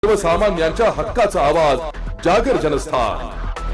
सर्वसामान्यांच्या हक्काचा आवाज जागर जनस्थान।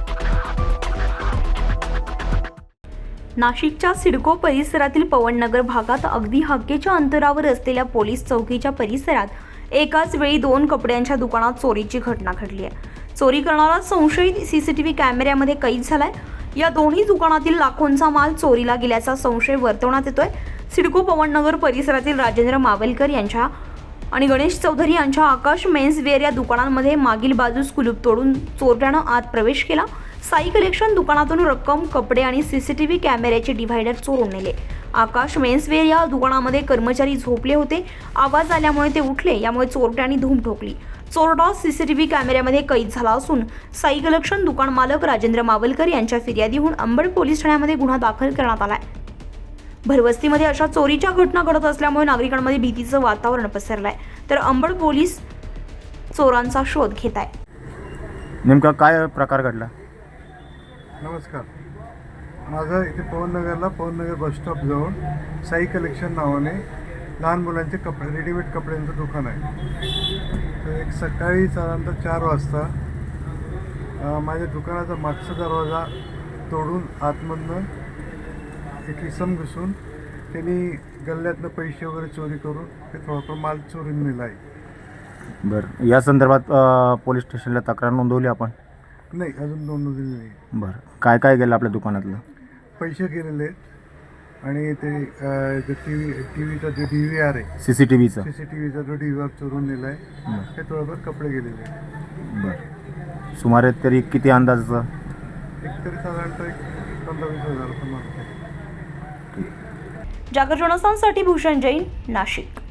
नाशिकच्या सिडको परिसरातील पवननगर भागात अगदी हक्केच्या अंतरावर असलेल्या पोलीस चौकीच्या परिसरात एकाच वेळी 2 कपड्यांच्या दुकानात चोरीची घटना घडली आहे। चोरी करणारा संशयित सीसीटीव्ही कॅमेऱ्यामध्ये कैद झालाय। या दोन्ही दुकानातील लाखोंचा माल चोरीला गेल्याचा संशय वर्तवण्यात येतोय। सिडको पवननगर परिसरातील राजेंद्र मावलकर यांच्या आणि गणेश चौधरी यांच्या आकाश मेन्सवेअर या दुकानांमध्ये मागील बाजूस कुलूप तोडून चोरट्यानं आत प्रवेश केला। साई कलेक्शन दुकानातून रक्कम, कपडे आणि सीसीटीव्ही कॅमेऱ्याचे डिव्हायडर चोरून नेले। आकाश मेन्सवेअर या दुकानामध्ये कर्मचारी झोपले होते। आवाज आल्यामुळे ते उठले, यामुळे चोरट्यांनी धूम ठोकली। चोरटा सीसीटीव्ही कॅमेऱ्यामध्ये कैद झाला असून साई कलेक्शन दुकान मालक राजेंद्र मावलकर यांच्या फिर्यादीहून अंबड पोलीस ठाण्यामध्ये गुन्हा दाखल करण्यात आलाय। भरवस्तीमध्ये अशा चोरीच्या घटना घडत असल्यामुळे नागरिकांमध्ये भीतीचं वातावरण पसरलंय, तर अंबड पोलीस चोरांचा शोध घेत आहे। नेमका काय प्रकार घडला? नमस्कार, माझं इथे पवननगर बस स्टॉप जवळ साई कलेक्शन नावाने लहान मुलांचे कपडे, रेडीमेड कपड्यांचं दुकान आहे। तर एक सकाळी साधारणतः 4 वाजता माझ्या दुकानाचा मागचा दरवाजा तोडून आतमधनं एक इसम घुसून त्यांनी गल्ल्यातनं पैसे वगैरे चोरी करून ते थोडाफार माल चोरून नेला आहे। बरं, या संदर्भात पोलीस स्टेशनला तक्रार नोंदवली आपण? नाही, अजून नोंदवलेली नाही। बरं, काय काय गेलं आपल्या दुकानातलं? पैसे गेलेले आहेत आणि ते टीव्हीचा जो DVR आहे, CCTVचा CCTVचा जो DVR चोरून नेला आहे। ते थोडंफार कपडे गेलेले आहेत। बरं, सुमारे तरी किती अंदाजाचं? एक तरी साधारणतः 15-20 हजार पण मागतो। जागर जनस्थानसाठी भूषण जैन, नाशिक।